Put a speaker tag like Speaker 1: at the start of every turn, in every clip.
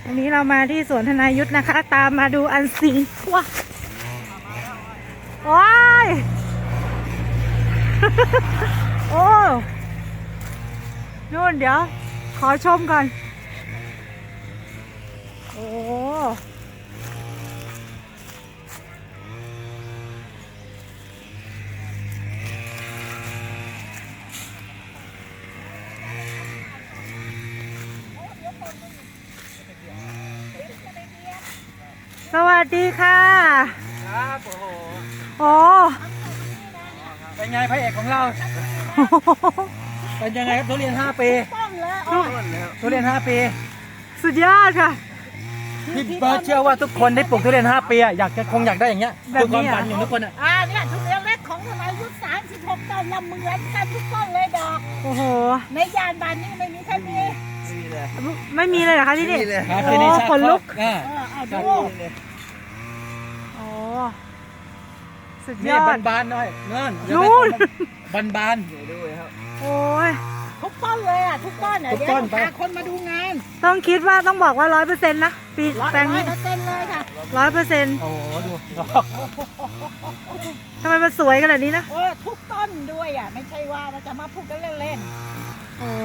Speaker 1: วันนี้เรามาที่สวนธนายุทธนะคะ ตามมาดูอันสิงว้าว้ายโอ้นู่นเดี๋ยวขอชมก่อนโอ้สวัสดีค่ะ
Speaker 2: ครับโอ้โห
Speaker 1: โอ้
Speaker 2: เป็นไงพระเอกของเรา เป็นยังไงครับทุเรียน5 ปีทุเรียน5 ปี
Speaker 1: สุดยอดค่ะ
Speaker 2: พี่เบิร์ดเชื่อว่าทุกคนได้ปลูกทุเรียน5 ปีอยากได้อย่างเงี้ย
Speaker 1: แบบนี้
Speaker 2: คือความฝันของทุกคนอ่ะ
Speaker 3: เนี่ยทุเรียนเล็กของทนายยุทธ36 ต้นละเหมือนกันทุกต้นเลยดอก
Speaker 1: โอ้โห
Speaker 3: ในยานบานนี้ไม่มีใครมี
Speaker 1: ไม่มีเลยเหรอคะที่นี่
Speaker 2: ครับ
Speaker 1: โอ้
Speaker 2: ที่นี่ชาติ
Speaker 1: ขนลุก
Speaker 3: เอา
Speaker 2: ครั
Speaker 3: ดู
Speaker 2: บ
Speaker 1: โอ้สุดย
Speaker 2: นี่
Speaker 1: อด
Speaker 2: บานๆหน่อยเงิน
Speaker 1: นู่น
Speaker 2: บานๆดูครับ
Speaker 1: โอ้ย
Speaker 3: ทุกต้นเลยทุกต้น
Speaker 2: ทุก
Speaker 3: เดี๋ยว
Speaker 2: ต้น
Speaker 3: พาคนมาดูงาน
Speaker 1: ต้องคิดว่าต้องบอกว่า100%นะปีแปลงนี้
Speaker 3: 100%เลยค่ะ
Speaker 1: 100%
Speaker 2: โอ้โหดูดอก
Speaker 1: ทำไมมันสวยขนาดนี้นะ
Speaker 3: ทุกต้นด้วยไม่ใช่ว่าเราจะมาพูดกันเล่น
Speaker 1: โอ้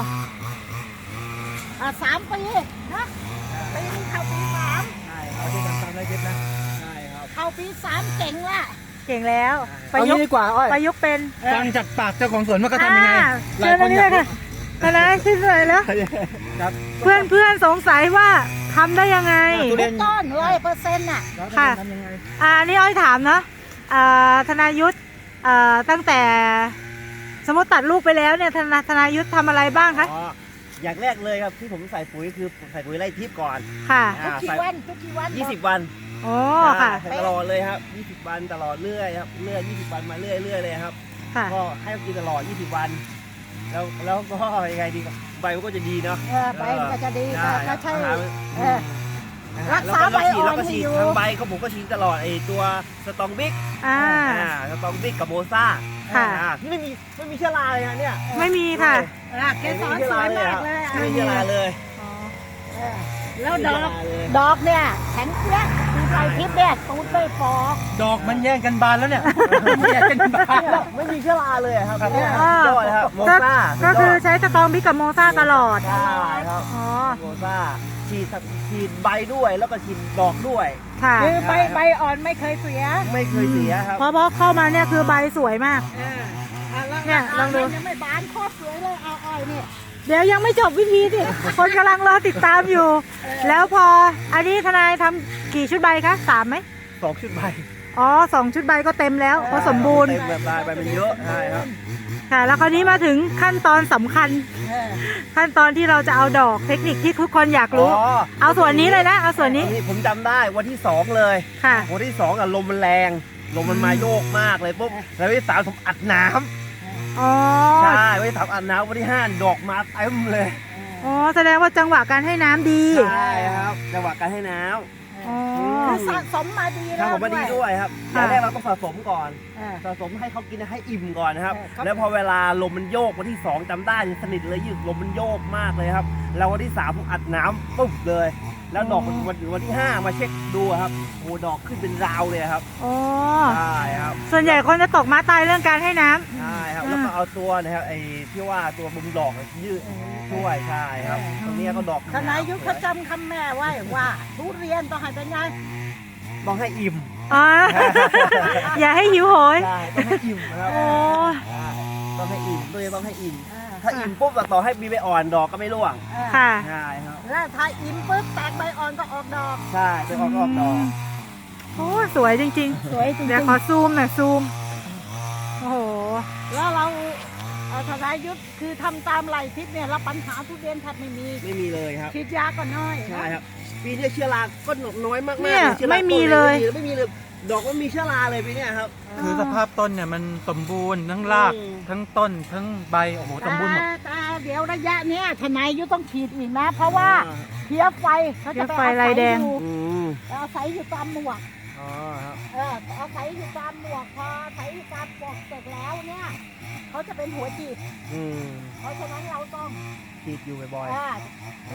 Speaker 3: ๆ3 ปีนะปีนี้เข้าปี
Speaker 2: ใช่เอาที่ตามได้คิดนะใช่ครับ
Speaker 3: 3เข้าปี 3เจ๋งละ
Speaker 1: เก่งแล้วป
Speaker 2: เอา
Speaker 1: ระยุ
Speaker 2: งี้
Speaker 1: ก
Speaker 2: ดี
Speaker 1: ต์
Speaker 2: กว่าอ้อย
Speaker 1: ประยุกต์เป็น
Speaker 2: ฟังจากปากเจ้าของสวนว่าเขาทำยังไง
Speaker 1: เชิญตรงนี้เลยค่ะทนายขึ้นเลยแล้ว
Speaker 2: ครับ
Speaker 1: เพื่อนสงสัยว่าทำได้ยังไง
Speaker 2: ทุเรี
Speaker 3: ทุ
Speaker 2: ยน
Speaker 3: กต้น100%
Speaker 1: ค่ะ
Speaker 2: ทำยังไง
Speaker 1: อันนี้อ้อยถามเนาะธนายุทธตั้งแต่สมมติตัดลูกไปแล้วเนี่ยธนายุทธทำอะไรบ้างคะ
Speaker 4: อ๋ออย่างแรกเลยครับที่ผมใส่ปุ๋ยคือใส่ปุ๋ยไล่ทิพย์ก่อน
Speaker 1: ค่ะ
Speaker 3: ทุกกี่วันทุกกี่วัน
Speaker 4: 20 วัน
Speaker 1: โอ้ค่ะ
Speaker 4: ใส่ตลอดเลยครับ20 วันตลอดเรื่อยครับเรื่อย20 วันมาเรื่อยเลยครับ
Speaker 1: ค่ะ
Speaker 4: ก็ให้เขากินตลอด20 วันแล้วก็ยังไงดีครับใบมันก็จะดีเนาะ
Speaker 3: ใบมันก็จะดี
Speaker 4: ใช่
Speaker 3: ก็ใช่
Speaker 4: อาหาร
Speaker 3: รักษาใบอ่อน
Speaker 4: แล้วก็
Speaker 3: ให้
Speaker 4: ฉีด
Speaker 3: อยู่
Speaker 4: ทางใบเขาผมก็ฉีดตลอดไอ้ตัวสตองบิ๊ก สตองบิ๊กกับโมซ่า
Speaker 1: ค่ะ
Speaker 4: ที่ไม่มีเชื้อราเลยนะเนี่ย
Speaker 1: ไม่มีค่ะ
Speaker 3: เกสรสวยมากเลย
Speaker 4: ไม่มีเชื้อราเลย
Speaker 3: แล้วดอกเนี่ยแข็งเปี้ยคือไฟทิพย์เนี่ยตูดไม่ฟอก
Speaker 2: ดอกมันแย่งกันบานแล้วเนี่ยแย่งกันบาน
Speaker 4: ไม่มีเชื้อราเลยครับ
Speaker 2: ครับ
Speaker 4: เนี่ย
Speaker 1: อ่า
Speaker 4: ยอดเลยครับโมซ่า
Speaker 1: ก็คือใช้สตองบิ๊กกับโมซ่าตลอด
Speaker 4: ใช่ครับ
Speaker 1: อ๋อ
Speaker 4: โมซ่าฉีดใบด้วยแล้วก็ฉีดดอกด้วย
Speaker 1: ค่ะ
Speaker 3: คือใบอ่อนไม่เคยเสีย
Speaker 4: ไม่เคยเสียครับ
Speaker 1: เพราะเข้ามาเนี่ยคือใบสวยมาก เนี่ยลองดู
Speaker 3: ยังไม่บานโคตรสวยเลยเอาอ้อยเนี่ย
Speaker 1: เดี๋ยวยังไม่จบวิธีสิคนกำลังรอติดตามอยู่ แล้วพออันนี้ทนายทำกี่ชุดใบคะ3ไหม
Speaker 4: 2 ชุดใบ
Speaker 1: อ๋อ2 ชุดใบก็เต็มแล้วเพราะสมบูรณ์
Speaker 4: เต็มแบบลายใบมันเยอะใช่ครับ
Speaker 1: ค่ะ แล้วคราวนี้มาถึงขั้นตอนสำคัญ ขั้นตอนที่เราจะเอาดอกเทคนิคที่ทุกคนอยากรู้ เอาส่วนนี้เลยนะ เอาส่วนนี้
Speaker 4: ผมจำได้วันที่ 2 เลย
Speaker 1: ค่ะ
Speaker 4: วันที่2อ่ะลมมันแรงลมมันมาโยกมากเลยปุ๊บแล้ววันที่3ผมอัดน้
Speaker 1: อ๋อ
Speaker 4: ำใช่วันที่3อัดน้ำวันที่5ดอกมาเต็มเลย
Speaker 1: อ๋อ แสดงว่าจังหวะการให้น้ำดี
Speaker 4: ใช่ครับจังหวะการให้น้
Speaker 1: อ๋อ
Speaker 3: คือสะสมมาดี
Speaker 4: ำ
Speaker 3: แล้ว
Speaker 4: ทำผมมาดีด้วยครับอ
Speaker 1: ค่ะ
Speaker 4: ย่างแรกเราต้องสะสมก่อน
Speaker 3: เออ
Speaker 4: สะสมให้เขากินให้อิ่มก่อนนะครับ
Speaker 3: ครับ
Speaker 4: แล้วพอเวลาลมมันโยกวันที่ 2จำได้สนิทเลยยืดลมมันโยกมากเลยครับ แล้ววันที่3ผมอัดน้ำปุ๊บเลย แล้วดอกวันที่ 5 มาเช็คดูครับโอ้ดอกขึ้นเป็นราวเลยครับ
Speaker 1: อ๋อ
Speaker 4: ใช่ครับ
Speaker 1: ส่วนใหญ่คนจะตกม้าตายเรื่องการให้น้ำ
Speaker 4: ใช่ครับแล้วก็เอาตัวนะครับไอ้ที่ว่าตัวบุมดอกยืดช่วยใช่ครับตรงนี้ก็ดอก
Speaker 3: ทนายยุทธเขาจำคำแม่ไว้ว่าทุเรียนต้องให้เป็นไง
Speaker 4: ต้องให้อิ่ม
Speaker 1: อ๋อ อย่าให้หิวโหย
Speaker 4: ใช่ต้องให้อิ่มนะครับ
Speaker 1: โอ้
Speaker 4: ใช่ต้องให้อิ่มตัวเองต้องให้อิ่ม ถ้าอิ่มปุ๊บต่อให้มีใบอ่อนดอกก็ไม่ร่วง
Speaker 1: ค่ะ
Speaker 4: ใช่ครับ
Speaker 3: แล้วถ้าอิ่มปุ๊บแตกใบอ่อนก็ออกดอก
Speaker 4: ใช่ไปออกดอก
Speaker 1: โอ้สวยจริง
Speaker 3: สวยจริ
Speaker 1: ๆ
Speaker 3: ง
Speaker 1: เดี๋ยวขอซูมหน่อยซูม โอ้โห
Speaker 3: ๆแล้วเราทนายยุทธคือทำตามไหลทิศเนี่ยรับปัญหาทุเรียนแทบไม่มี
Speaker 4: ไม่มีเลยครับ
Speaker 3: ฉีดยาก็น้อย
Speaker 4: ใช่ครับปีนี้เชื้อราก็น้อยมากๆ
Speaker 1: เนี่ย
Speaker 4: เชื้อรา
Speaker 1: ไม่มีเลย
Speaker 4: ไม่มีเลยดอกก็มีเชื้อราเลยปีนี้ครับ
Speaker 2: คือสภาพต้นเนี่ยมันสมบูรณ์ทั้งราก
Speaker 4: อืม
Speaker 2: ทั้งต้นทั้งใบโอ้โหสมบูรณ์หมด
Speaker 3: แต่เดี๋ยวระยะเนี้ยทนายยุทธต้องฉีดอีกนะ เพราะว่าเพี้ยไฟเขาจะไป
Speaker 1: เพี้ยไฟลายแดง
Speaker 4: อืม
Speaker 3: อาศัยอยู่ตามหมวก
Speaker 4: อ๋อครับ
Speaker 3: อาศัยอยู่ตามหมวกพออาศัยอยู่ตามหมวกเสร็จแล้วเนี่ยเขาจะเป็นหัวจีบ
Speaker 4: อืม
Speaker 3: เพราะฉะนั้นเราต้อง
Speaker 4: ฉีดอยู่บ่อย
Speaker 3: อ่า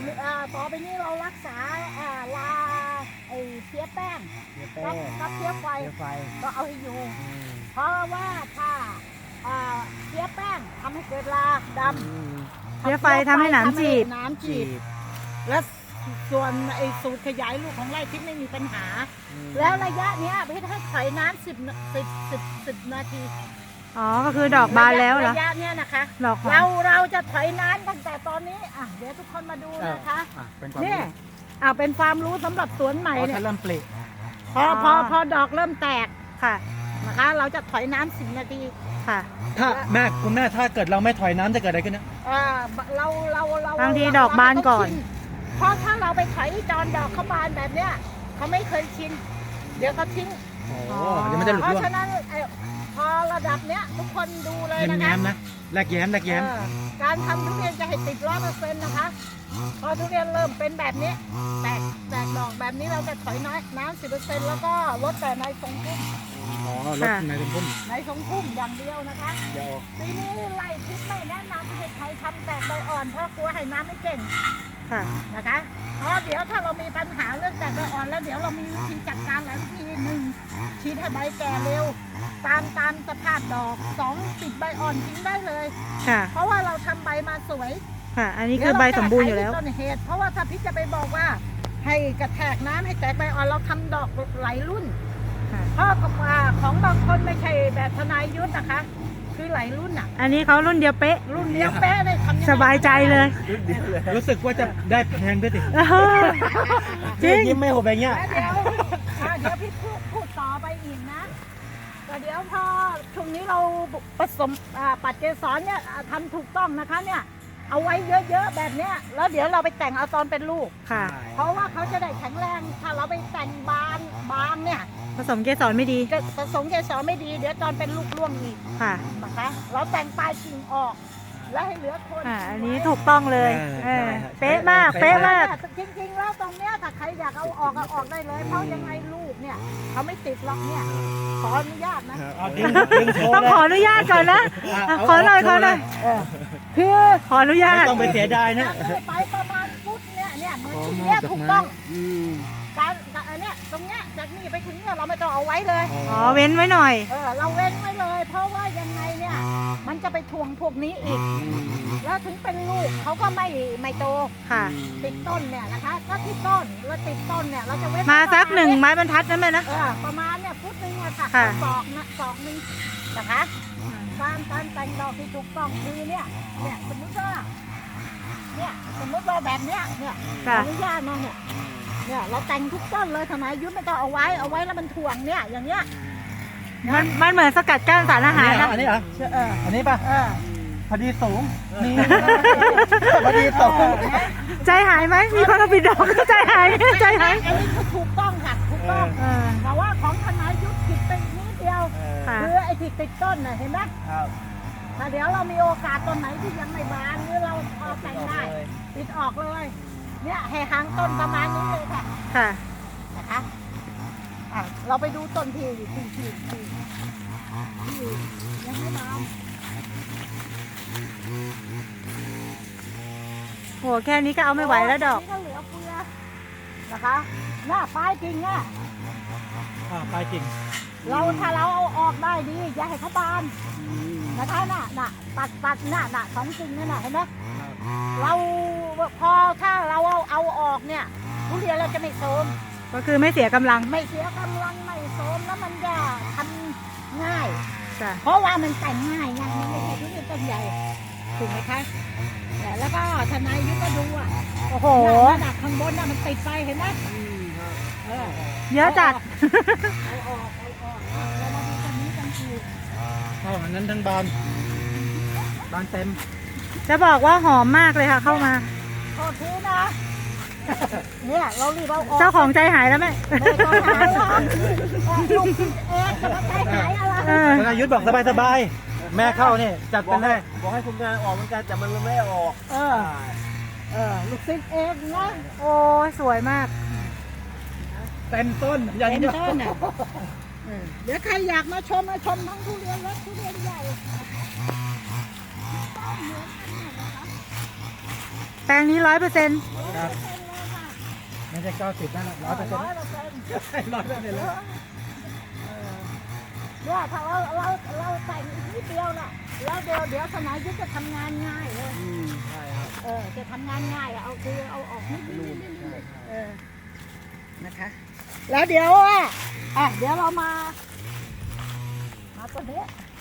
Speaker 3: ต่อไปนี้เรารักษาลาไอ้เพี้ยแป้ง
Speaker 2: เดี๋ยวแป้
Speaker 3: กับเพี้ยไฟ
Speaker 2: เดี๋ยวไฟ
Speaker 3: ก็เอาให้อยู่ เพราะว่าถ้าเพี้ยแป้งทำให้เกิดลาดำ
Speaker 1: เพี้ยไฟทำให้หนามจีบ
Speaker 3: น้ำจีบ และส่วนไอ้สูตรขยายลูกของไร่ทิพย์ไม่มีปัญหา แล้วระยะเนี้ยพี่ให้ถอยน้ำ10 นาที
Speaker 1: อ๋อ ก็คือดอกบานแล้วเหรอ
Speaker 3: ระยะเนี้ยนะคะ
Speaker 1: ดอกหอม
Speaker 3: เราจะถอยน้ำตั้งแต่ตอนนี้เดี๋ยวทุกคนมาดูนะคะ
Speaker 2: เป็นความ
Speaker 3: นี่
Speaker 2: รู้
Speaker 3: เป็นความรู้สำหรับสวนใหม่
Speaker 2: พอ
Speaker 3: เนี่
Speaker 2: ถ้าย เริ่มปลิ
Speaker 3: พอดอกเริ่มแตก
Speaker 1: ค่ะ
Speaker 3: นะคะ เราจะถอยน้ำ10 นาที
Speaker 1: ค่ะ
Speaker 2: ถ้าคุณแม่ถ้าเกิดเราไม่ถอยน้ำจะเกิดอะไรขึ้นนะ
Speaker 3: เรา
Speaker 1: บางทีดอกบานก่อน
Speaker 3: เพราะถ้าเราไปถอยจอนดอกเขาบานแบบเนี้ยเขาไม่เคยชิน เดี๋ยวเขาทิ้ง
Speaker 2: โอ้เดี๋ยวมันจะหลุด
Speaker 3: เพ
Speaker 2: ร่ว
Speaker 3: ราะ
Speaker 2: ง
Speaker 3: ฉะนั้นพอระดับเนี้ยทุกคนดูเลยนะคะ
Speaker 2: แย้มๆนะแลกแย้ม
Speaker 3: การทำทุเรียนจะให้ติด100%นะคะ พอทุเรียนเริ่มเป็นแบบนี้ แตกดอกแบบนี้เราจะถอยน้ำ10%แล้วก็ลดแต่ในทรงพุ่ม
Speaker 2: อ๋อรถในเป็นพุ่ม
Speaker 3: ในทรงพุ่มอย่างเดียวนะคะ
Speaker 2: เดี๋ยว
Speaker 3: ปีนี้ไล่ทิศไม่แนะนำให้ใครทำแตกใบอ่อนเพราะกลัวให้น้ำไม่เก่ง
Speaker 1: ค่ะ
Speaker 3: นะคะ เพราะเดี๋ยวถ้าเรามีปัญหาเรื่องแตกใบอ่อนแล้วเดี๋ยวเรามีวิธีจัดการหลายวิธีหนึ่งฉีดให้ใบแก่เร็ว ตามสภาพดอก2ปิดใบอ่อนทิ้งได้เลย
Speaker 1: ค่ะ
Speaker 3: เพราะว่าเราทำใบมาสวย
Speaker 1: ค่ะ อันนี้คือใบสมบูรณ์อยู่แล้ว
Speaker 3: เดี๋เาแก้ไขที่ต้นเหตุเพราะว่าถ้าพี่จะไปบอกว่า ให้กระแทกน้ำให้แตกใบอ่อนเราทำดอกหลายรุ่น
Speaker 1: ค่ะ
Speaker 3: เพราะของบางคนไม่ใช่แบบทนายยุทธนะคะ คือหลายรุ่นอ่ะ
Speaker 1: อันนี้เขารุ่นเดียวเป๊ะ
Speaker 3: รุ่นเลี้ยงแป๊ะเลยทำยังไง
Speaker 1: สบายใจเลย
Speaker 2: รู้สึกว่าจะได้แพงด้วยสิ
Speaker 1: เออจริง
Speaker 2: ยิ้มไม่หุบแบบเงี้ย
Speaker 3: แล้วเดี๋ยวพี่พูดต่อไปอีกนะแต่เดี๋ยวพอช่วงนี้เราผสมปัดเกสรเนี่ยทำถูกต้องนะคะเนี่ยเอาไว้เยอะๆแบบเนี้ยแล้วเดี๋ยวเราไปแต่งเอาตอนเป็นลูก
Speaker 1: ค่ะ
Speaker 3: เพราะว่าเขาจะได้แข็งแรงถ้าเราไปแต่งบางเนี่ย
Speaker 1: ผสมเกสรไม่ดี
Speaker 3: จะผสมเกสรไม่ดีเดี๋ยวตอนเป็นลูกร่วงอีก
Speaker 1: ค่ะ
Speaker 3: นะคะเราแต่งปลายกิ่งออก แล้วให้เหลือคน
Speaker 1: อันนี้ถูกต้องเลย
Speaker 2: ใช่
Speaker 1: เป๊ะมาก เป๊ะมาก
Speaker 3: จริงๆแล้วตรงเนี้ยถ้าใครอยากเอาออกได้เลย เพราะยังไงลูกเนี่ยเขาไม่ติดหรอกเนี่ยขออนุญาตนะ
Speaker 2: เอาดึงโชว์
Speaker 1: ต้อง
Speaker 2: เลย
Speaker 1: ขออนุญาตก่อนนะ ขอหน่อย ขอหน่อย
Speaker 3: คือ
Speaker 1: ขออนุญา
Speaker 2: ไม่
Speaker 1: ต
Speaker 2: ต้องไปเสียดายนะ
Speaker 3: ไปประมาณฟุตเนี่ยเหมือนที่เนี้ยถูกต้อง
Speaker 2: อืม
Speaker 3: การอันเนี้ยตรงเนี้ยจากนี่ไปถึงเนี่ยเราไม่ต้องเอาไว้เลย
Speaker 1: อ๋อ เว้นไว้หน่อย
Speaker 3: เราเว้นไว้เลย เพราะว่ายังไงเนี่ยมันจะไปทวงพวกนี้อีก แล้วถึงเป็นลูกเขาก็ไม่โต
Speaker 1: ค่ะ
Speaker 3: ติดต้นเนี่ยนะคะถ้าที่ต้นแล้วติดต้นเนี่ยเราจะเว้น
Speaker 1: มาสักหนึ่งไม้บรรทัดนั่นไหมนะ
Speaker 3: ประมาณเนี่ยฟุตนึงอะค่ะ
Speaker 1: ค่ะ
Speaker 3: ศอกนึงนะคะการแต่งดอกที่ถูกต้องคือเนี่ยสมมติว่าแบบเนี้ยเนี่ยข
Speaker 1: ค่ะ
Speaker 3: ออนุญาตนะเนี่ยเราแต่งทุกต้นเลยทำไมยุทธไม่ต้องเอาไว้แล้วมันถ่วงเนี่ยอย่างเงี้ย
Speaker 1: มันเหมือนสกัดกั้นสารอาหารนะ
Speaker 2: อันนี้เหรอ อันนี้ป่ะ
Speaker 3: เออ
Speaker 2: พอดีสูงนี่พอดีสูง
Speaker 1: ใจหายไหม มีคนเอาปิดดอกใจหาย ใจหาย
Speaker 3: อันนี้คือถูกต้องค่ะถูกต้อง
Speaker 1: เออ
Speaker 3: แต่ว่าของทนายยุทธผิดไปนิดเดียว
Speaker 1: ค่ะ
Speaker 3: คือไอ้ที่ติดต้นน่ะเห็นไหม
Speaker 2: ครับ
Speaker 3: ถ้าเดี๋ยวเรามีโอกาสต้นไหนที่ยังไม่บานหรือเราพอแต่งได้ติดออกเลย เนี่ยให้ห่างต้นประมาณนี้เลยค่ะ
Speaker 1: ค่ะ
Speaker 3: นะคะเราไปดูต้นที่ยังไม่บาน
Speaker 1: โห แค่นี้ก็เอาไม่ไหวแล้วดอก
Speaker 3: นี่ก็เหลือเฟือนะคะหน้าปลายจริงอ่ะ
Speaker 2: ปลายกิ่ง
Speaker 3: ถ้าเราเอาออกได้ดีอย่าให้เขาบานนะคะน่ะตัดน่ะสองกิ่งนั่นน่ะเห็นไหมเราพอถ้าเราเอาออกเนี่ยทุเรียนเราจะไม่โทรม
Speaker 1: ก็คือไม่เสียกำลัง
Speaker 3: ไม่เสียกำลังไม่โทรมแล้วมันจะทำง่าย
Speaker 1: จ้ะ
Speaker 3: เพราะว่ามันแต่งง่ายไงมันไม่ใช่ทุเรียนต้นใหญ่ถูกไหมคะแล้วก็ทนายยุทธก็ดูอ่ะ
Speaker 1: โอ้โห
Speaker 3: น่ะข้างบนน่ะมันติดไปเห็นไหม
Speaker 1: เยอะจัด
Speaker 3: เอาออกแล้วมาดูตรงนี้กันคือ
Speaker 2: อันนั้นทั้งบานเต็ม
Speaker 1: จะบอกว่าหอมมากเลยค่ะ เข้ามา
Speaker 3: โทษทีนะ เนี่ยเรารีบเอาออก
Speaker 1: เจ้าของใจหายแล้วไหม
Speaker 3: ไม่ต้องหาหรอกลูกเองจะมาใจหายอะไร
Speaker 1: เออ
Speaker 2: ธนายุทธบอกสบายๆแม่เข้านี่จัดไปเลย
Speaker 4: บอกให้คุณงานออกเหมือนกันแต่มันไม่ออก
Speaker 3: ลูกศิษย์เองนะ
Speaker 1: โอ้ยสวยมาก
Speaker 2: เต็มต้นอย่าง
Speaker 3: เป็น
Speaker 2: เดียว
Speaker 3: ต้นอ่ะเดี๋ยวใครอยากมาชมทั้งทุเรียนเล็กทุเรียนใหญ่
Speaker 1: แปลงนี้100%
Speaker 2: ครับ
Speaker 3: เป็น
Speaker 2: ไม่ใช่90นั่น100%
Speaker 3: 100%
Speaker 2: 100%แล้ว
Speaker 3: เนี่ยถ้าเราแต่งอีกนิดเดียวน่ะแล้วเดี๋ยวทนายยุทธจะทำงานง่ายเลย
Speaker 2: ใช่ครับ
Speaker 3: จะทำงานง่ายเอาคือเอาออกนิดนะคะ แล้วเดี๋ยวเดี๋ยวเรามาตัวนี้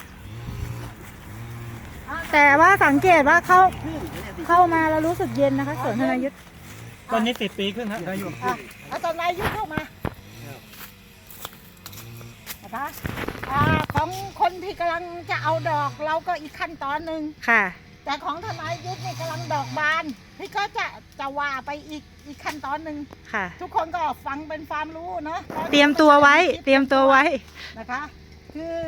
Speaker 1: แต่ว่าสังเกตว่าเข้ามาแล้วรู้สึกเย็นนะคะสวนธนายุทธ
Speaker 2: ตอนนี้10 ปีขึ้นครับได้อยู่
Speaker 3: เอาทนายยุทธเข้ามานะคะของคนที่กำลังจะเอาดอกเราก็อีกขั้นตอนหนึ่ง
Speaker 1: ค่ะ
Speaker 3: แต่ของทนายยุทธนี่กำลังดอกบานพี่ก็จะว่าไปอีกขั้นตอนหนึ่ง
Speaker 1: ค่ะ
Speaker 3: ทุกคนก็ฟังเป็นความรู้เนาะ
Speaker 1: เตรียมตัวไว้ เตรียมตัวไว้
Speaker 3: นะคะ คือ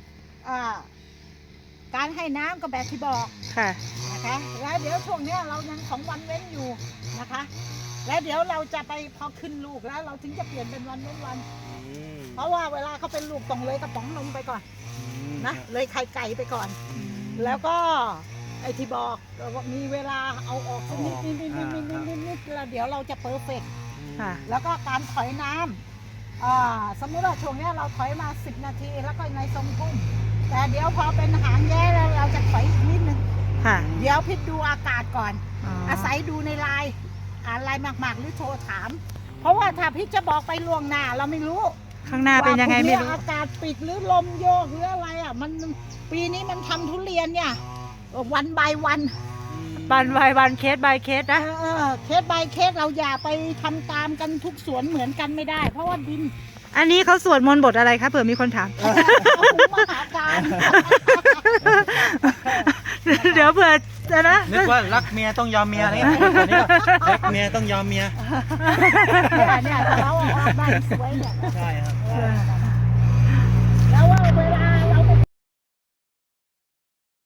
Speaker 3: การให้น้ำก็แบบที่บอก
Speaker 1: ค่ะ
Speaker 3: นะคะแล้วเดี๋ยวช่วงเนี้ยเรายัง2 วันเว้นอยู่นะคะ แล้วเดี๋ยวเราจะไปพอขึ้นลูกแล้วเราถึงจะเปลี่ยนเป็นวันเว้นวัน เพราะว่าเวลาเขาเป็นลูกต้องเลยกระป๋องนมไปก่อนนะเลยไข่ไก่ไปก่อน แล้วก็ไอ้ที่บอกว่ามีเวลาเอาออกสักนิดแล้วเดี๋ยวเราจะเพอร์เฟกต์
Speaker 1: ค่ะ
Speaker 3: แล้วก็การถอยน้ำสมมติว่าช่วงเนี้ยเราถอยมา10 นาทีแล้วก็ในทรงพุ่มแต่เดี๋ยวพอเป็นหางแย่แล้วเราจะถอยอีกนิดนึง
Speaker 1: ค่ะ
Speaker 3: เดี๋ยวพิดดูอากาศก่อน
Speaker 1: อ๋อ
Speaker 3: อาศัยดูในไลน์อ่านไลน์มากๆหรือโทรถาม เพราะว่าถ้าพี่จะบอกไปล่วงหน้าเราไม่รู้
Speaker 1: ข้างหน้าเป็นยังไงไม่รู้
Speaker 3: ว่าพรุ่นี้อากาศปิดหรือลมโยกหรืออะไรมันปีนี้มันทำทุเรียนเนี่ยวันบายวัน
Speaker 1: บันบายวันเคสบายเคสนะ
Speaker 3: เคส by เคสเราอย่าไปทำตามกันทุกสวนเหมือนกันไม่ได้ เพราะว่าดิน
Speaker 1: อันนี้เขาสวดมนต์บทอะไรคะเผื่อมีคนถาม
Speaker 3: เอาหุมหาการ
Speaker 1: เดี๋ยวเผื่อจะนะ
Speaker 2: นึกว่ารักเมียต้องยอมเมียอะไรเงี้ยรักเมียต้องยอมเมีย
Speaker 3: เนี่ยเราออกบ้านสวยเนี่ย
Speaker 2: ใช่ครับ
Speaker 3: นั่นแห